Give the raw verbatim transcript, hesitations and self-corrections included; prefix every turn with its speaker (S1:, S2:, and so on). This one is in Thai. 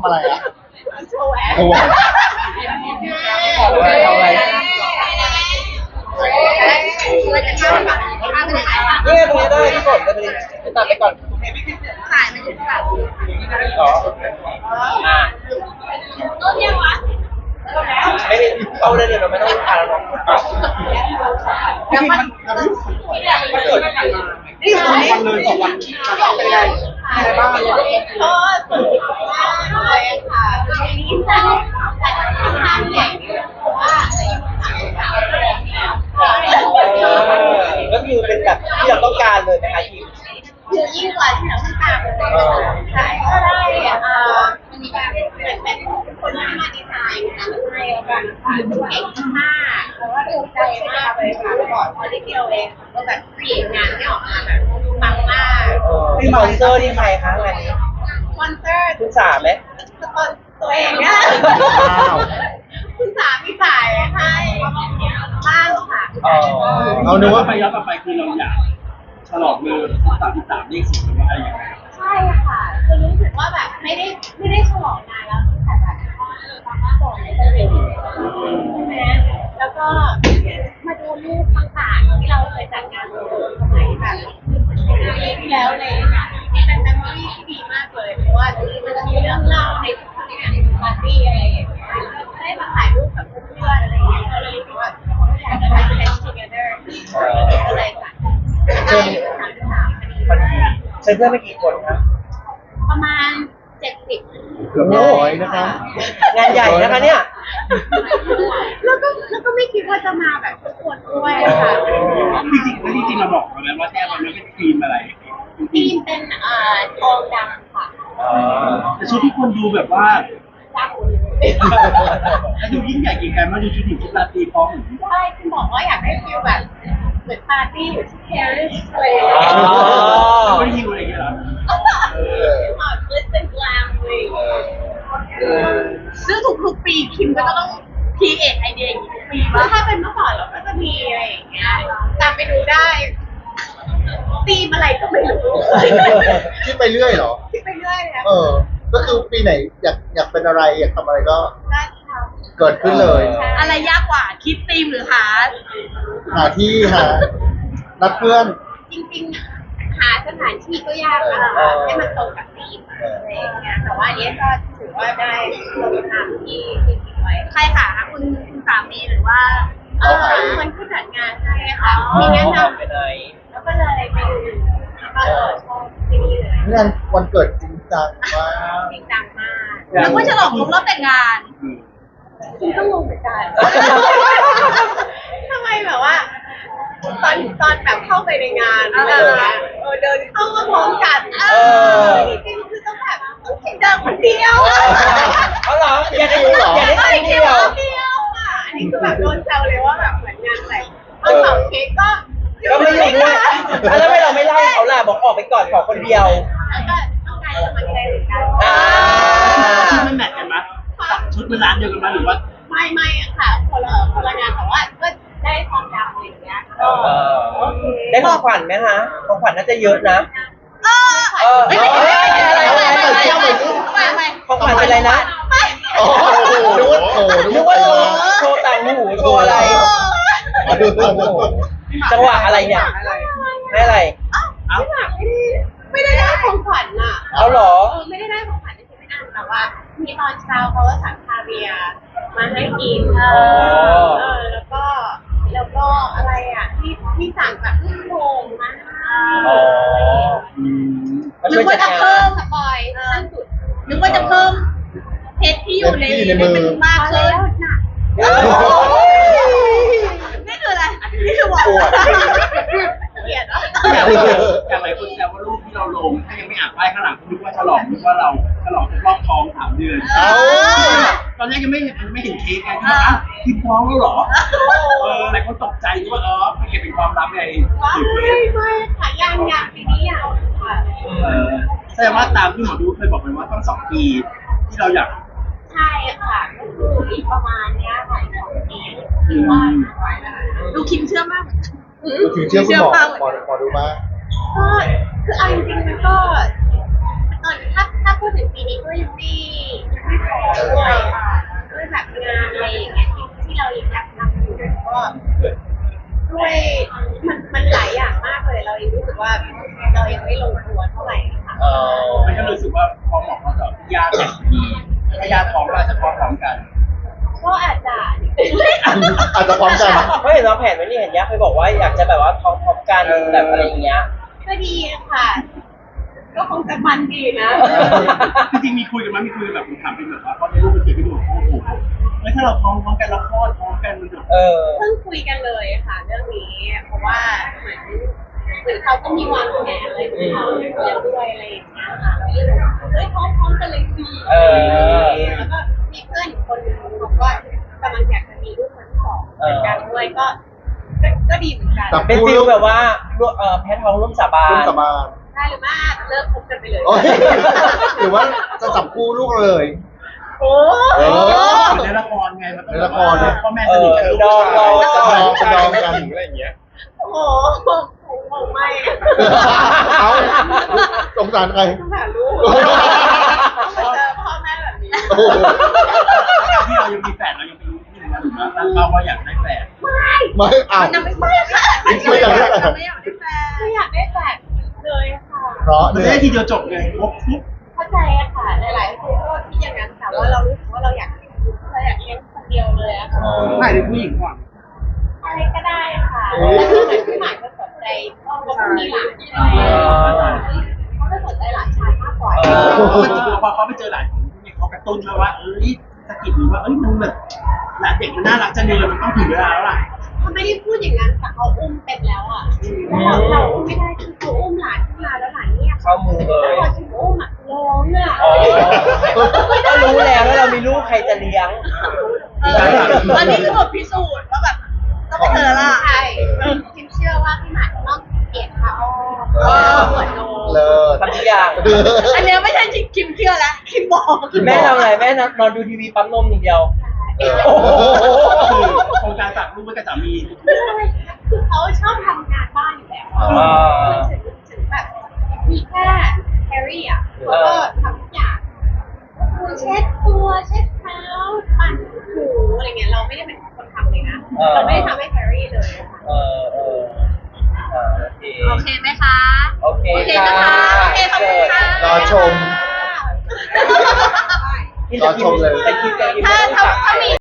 S1: อะไรอ่ะ
S2: โชว์แอค
S1: โอ้โห
S3: ขอดูหน่อยทำอะไร
S2: เราจะข้ามฝั่งข้ามไปไหนคะ
S3: นี่ไงตรงนี้ได้พี่ฝนจะไปไปตัดไปก่อน
S2: ถ่ายมันจะแบบ
S3: อ๋ออ่า
S2: ต้นยังวะ
S3: ไม่ได้เข้าได้เลยเราไม่ต้องอ่านแล้ว
S2: แล้วมัน
S3: มันเกิด
S1: นี่สองวันเลยสองวันเป็นไงอะไรบ้าง
S2: ก็สนุกมากเลยค่ะทีนี้แต่แต่ค่อนข้างใหญ่เพราะว่าจะอยู่ต่างจังหวัดเนี่ย
S3: ก็คือเป็นแบบที่เราต้องการเลยนะคะทีม
S2: คือยิ่งกว่าที่เราต้องการเลยใช่ก็ได้เอ่อมันมีการเหมือนเป็นคนที่มาดีไซน์งานให้แล้วกันค่ะเก่งมากแล้วก็ภูมิใจมากเลยค่ะก่อนพอได้เดียวเองก็แบบเปลี่ยนงานที่ออกมาแบบปังมาก
S3: พี่สปอนเซอร์ที่ใครคะงานนี้
S2: สปอนเซอร์
S3: คุณสามไหม
S2: สปอนตัวเองอะคุณสามีจ่ายให้บ้างค่ะ
S3: อ๋อ
S1: เอานึกว่า
S4: ไปย้อนกลับไปคือเราอยากฉลองเลยสามสิบสามเลขสี่มันอะไรอย่างเงี้ย
S2: ใช่ค่ะคือรู้สึกว่าแบบไม่ได้ไม่ได้ฉลองนานแล้วตั้งแต่แบบตอนมาบอกในเซอร์เวย์ใช่ไหมแล้วก็มาดูรูปต่างๆที่เราเคยจัดงานสมัยแบบปีที่แล้วเลยเป็นเมมโมรี่ที่ดีมากเลยเพราะว่ามันจะมีเรื่องเล่าในทุกงานปาร์ตี้อะไรอย่างเงี้ยได้มาถ่ายรูปกับเพื่อนๆอะไรอย่างเงี้ยก็เลยรู้สึกว่าอยากจะไป spend together ก็เลยจัดได้สามสิบสามพอดี
S3: เชิญเพื่อนไปกี่คนครับ
S2: ประมาณเจ็ดสิบ
S1: เกือบร้อยนะครับ
S3: งานใหญ่นะคะเนี่ย
S2: แล้วก็แล้วก็ไม่คิดว่าจะมาแบบทุกคนด้วยค่ะ
S4: จริงๆแล้วจริงๆเราบอกเขาแล้วว่าแท้มันไม่เป็นธีมอะไร
S2: ทีมเป็นเอ่อทองดำค่ะ
S4: แต่ชุดที่คนดูแบบว่า
S2: ดำ
S4: แล้วดูยิ่งใหญ่กี่กันมาดูชุดหญิงชุดราตรีพร้อมหรือ
S2: ใช่คุณบอกว่าอยากได้ฟิลแบบเหมือนปาร์ตี้อยู่ที่ปารีสเลย
S4: แล้วก็ฮิวอะไรอย่างเงี้ยเหรอ
S2: หอมลิสเป็นกลางเลยซึ่งทุกๆปีคิมก็ต้องพีเอทไอเดียอย่างนี้ทุกปีว่าถ้าเป็นเมื่อก่อนเราก็จะมีอะไรอย่างเงี้ยตามไปดูได้ตีมอะไรก็ไม่รู้
S1: คิดไปเรื่อยเหรอ
S2: คิดไปเรื่อยเลย
S1: เออ ก็คือปีไหนอยากอยากเป็นอะไรอยากทำอะไรก็
S2: ได้ท
S1: เกิดขึ้นเลย
S2: ำอะไรยากกว่าคิดตีมหรือหา
S1: หาที่หานัดเพื่อน
S2: จริงๆหาสถานที่ก็ยากนะคะให้มันตรงกับธีมอะไรอย่างเงี้ยแต่ว่าอันนี้ก็ถือว่าได้ตรงตามที่ที่คิดไว้ใครค่ะคุณคุณสามีหรือว่าเออคนที่จัดงานให้ค่ะมีแนะนำ
S3: ไปไหน
S2: แล้วก็เลยไปดูแล้วก็เออชอบที่นี่เลย
S1: งานวันเกิดจริงจังมาก
S2: จริงจังมากแล้วก็ฉลองครบรอบแต่งงานคุณก็งงเหมือนกันทำไมแบบว่า ตอนตอนแบบเข้าไปในงานอะไรอย่างเงี้ยเออเดินเข้ามาพร้อมกันเออจริงๆคือต้องแบบต้องคิดเดินคนเดียว
S3: เอาเหรออยากได้อยากได้
S2: ไม่
S3: คน
S2: เดี
S3: เดี
S2: ย
S3: ยว ว
S2: เดียวอ่ะอันนี้คือแบบโดนแซวเลยว่าแบบเหมือนงานแต่งตอนเผาเค้กก็
S3: ก็ไม่อยู่ด้วยแล้วทำไมเราไม่เล่าเขาล่ะบอกออกไปก่อนขอคนเดียว
S2: แล้วก็ต้องการสมัครใจเหมือนกัน
S3: อ่า
S4: ชุดมันแมทกันไหมชุดมันร้านเดียวกันไหมหรือว่า
S2: ไม่ไม่ค่ะคนละคนละงานแต่ว่าก็ได้ความดำอะไรอย่างเงี้ยก็
S3: เออได้ของขวัญไหมคะของขวัญน่าจะเยอะนะ
S2: เออ
S3: เออเอออะไรอะไรอะไรอะไร
S2: ไม่ไม่
S3: ของขวัญเป็นอะไรนะ
S2: ไม่
S1: โอ้โหนึกว่าโถ
S3: นึกว่าโชว์โชว์ต่างหูโชว์อะไรโอ้โหจังหวะอะไรเนี่ยให้อะไร
S2: อ้าวไม่ได้ไม่ได้ได้ของขวัญอ่ะ
S3: เอาเหรอ
S2: เออไม่ได้ได้ของขวัญในชีวิตอันแต่ว่ามีตอนเช้าเขาก็สั่งคาเวียร์มาให้กินเออเออแล้วก็แล้วก็อะไรอ่ะที่ที่สั่งแบบลูกโป่งมาให้
S3: อ๋อ
S2: นึกว่าจะเพิ่มสปอยขั้นสุดนึกว่าจะเพิ่มเพชรที่อยู่ใน
S1: ที่ในมือ
S2: มากขึ้นน่ะ
S3: โอ้ย
S2: นี่คืออะไรนี่คือบอกเกลียดเหรอ
S4: อย่างอย่างหลายคนแซวว่ารูปที่เราลงถ้ายังไม่อ่านป้ายข้างหลังนึกว่าฉลองนึกว่าเราฉลองครบรอบท้องสามเดือน
S1: เอ้า
S4: ตอนแรกยังไม่เห็นไม่เห็นเค้กไงที่ว่าอ้าวคิดท้องแล้วเหรอเออหลายคนตกใจว่าเออมันเก็บเป็นความลับไง
S2: ว้า
S4: ถือเค้
S2: ไม่
S4: ก
S2: ไม่ค่ะยังยังปีนี้ยังค่ะ
S4: เออแสดงว่าตามที่หมอดูเคยบอกไปว่าต้องสองปีที่เราอยาก
S2: ใช่ค่ะก็คืออีกประมาณเนี้ยค่ะอีกสองปีคือว่าดูคิมเชื่อมาก
S1: ถึงเชื่อคุณหมอหมอหมอดูมาก
S2: ก็คือเอาจริงๆมันก็ตอนถ้าถ้าพูดถึงปีนี้ก็ยังไม่
S4: พร้อมหมอเขาจะญาติแต่ดีถ้าญาติพร้อมก็อาจจะพร้อมพร้อมกัน
S2: ก็อาจจะ
S5: อาจจะพร้อมกัน
S3: เพราะเห็นเราแผนไว้นี่เห็นยักษ์เคยบอกว่าอยากจะแบบว่าพร้อมๆกันแบบอะไรอย่างเงี้ย
S2: ก็ดีค่ะ ก็คงจะมันดีนะ
S4: จริงๆมีคุยกันไหมมีคุยกันแบบถามเป็นแบบว่าพอในรูปเป็นเขียนไปดูโอ้โหเฮ้ยถ้าเราพร้อมพร้อมกันเราคลอดพร้อมกันมันจะ
S3: เออ
S2: เพิ่งคุยกันเลยค่ะเรื่องนี้ เพราะว่าเหมือนเหมือนเขาก็มีวางแผนอะไรของเขาแล้วด้วยอะไรอย่างเงี้ยค่ะเราก็เลยบอกเฮ้ยพร้อมๆกันเลยสิ
S3: เออ
S2: แล้วก็มีเพื่อนอีกคนนึงบอกว่ากำลังอยากจะมีลูกคนที่สองเหมือนกันด้วยก็ก็ก็ดีเหมือนกัน
S5: จับ
S3: เป็นฟิลแบบว่าร่วมเอ่อแพทย์ท้องร่วมสาบา
S5: ร่วม
S3: น
S5: สาบาน
S2: ได้หรือไม่เลิกคบกันไปเลย
S5: โอ้ยหรือว่าจะจับคู่ลูกเลย
S2: โอ้
S5: เออ
S4: ในละครไงมันต้อง
S5: ในละครเนี่ย
S4: พ่อแม่สนิทกันลูก
S3: เออ
S4: ชาย
S3: ดอง
S5: จะดองจะดองกัน
S1: อะไรอย่างเงี้ย
S2: โหคงไม่
S5: เอาสงสารใคร
S2: ต้องหาลูกต้องมาเจอพ่อแม่แบบนี้
S5: โอ้โห
S4: ที่เรายังมีแฝดเรายังไม่รู้ที่ไหนนะหรือว่าตั้งเป้าว่าอยากได้แฝด
S5: ไม่เอา
S2: มันยังไม่ใช่ค่ะ
S5: ไม่อยากได้แฝด
S2: ไม่อยากได้แฟนไม่อยากได้แฟนเลยค่ะ
S5: เพราะ
S4: มัน
S5: เนี่
S4: จะ
S5: ย
S4: ได้ทีเดียวจบไงครบปุ๊บ
S2: เข้าใจอะค่ะหลายๆคนก็คิดอย่างนั้นแต่ว่าเรารู้สึกว่าเราอยากเราอยากเลี้ยงคนเดียวเลยอะค่ะ
S4: ถ่ายเป็นผู้หญิงก่อน
S2: อะไรก็ได้ค่ะแต่คือเหมือนพี่หมายก็สนใจเขาก็มีหลานใช่ไหมเขาก็สนใจหลานชายมากกว่า
S3: เออ
S4: พอเขาไปเจอหลานของผู้หญิงเขากระตุ้นมาว่าเอ้ยสะกิดหรือว่าเอ้ยมันแบบหลานเด็กมันน่ารักจังเลยมันต้องถึงเวลาแล้วล่ะ
S2: เขาไม่ได้พูดอย่างนั้นแต่เขาอุ้มเป็นแล้วอะแล้วเราอุ้มไม่ได้คือเขาอุ้มหลานขึ้นมาแล้วหลานเนี่ย
S3: เข้ามือเล
S2: แล้ว
S3: ย
S2: พอถึงอุ้มอะร้องอะ
S3: อ๋อก็รู้แล้วว่าเรามีลูกใครจะเลี้ยง
S2: เอออันนี้คือบทพิสูจน์ว่าแบบต้องไปเจอละใช่คิมเชื่อว่าพี่หมายต้องเกลียดเขาเออเหมือนโน
S5: เลิศ
S3: ทำทุกอย่าง
S2: อันเนี้ยไม่ใช่คิมเชื่อแล้วคิมบอก
S3: แม่ทำอะไรแม่นอนดูทีวีปั๊มนมอย่างเดียว
S2: เออ
S3: โอ้โห
S4: คือโครงการฝากลูกไว้กับสามี
S2: คือเขาชอบทำงานบ้านอยู่แล้ว
S3: อ่า
S2: ถึงถึงแบบมีแค่แฮร์รี่อ่ะเขาก็ทำทุกอย่างคือเช็ดตัวเช็ดเท้าปั่นถูอะไรเงี้ยเราไม่ได้เป็นคนทำเลยนะเราไม่ได้ทำให้แฮร์รี่เลยค่ะ
S3: เออเอออ่าโอเค
S2: โอเคไหมคะ
S3: โอเค
S2: โอเคนะคะโอเคขอบคุณค่ะ
S5: รอชม
S3: ที่จะกินแต่กินแต่กินไม่ต้อง
S2: ถ้า
S3: ตัก
S2: ถ้ามี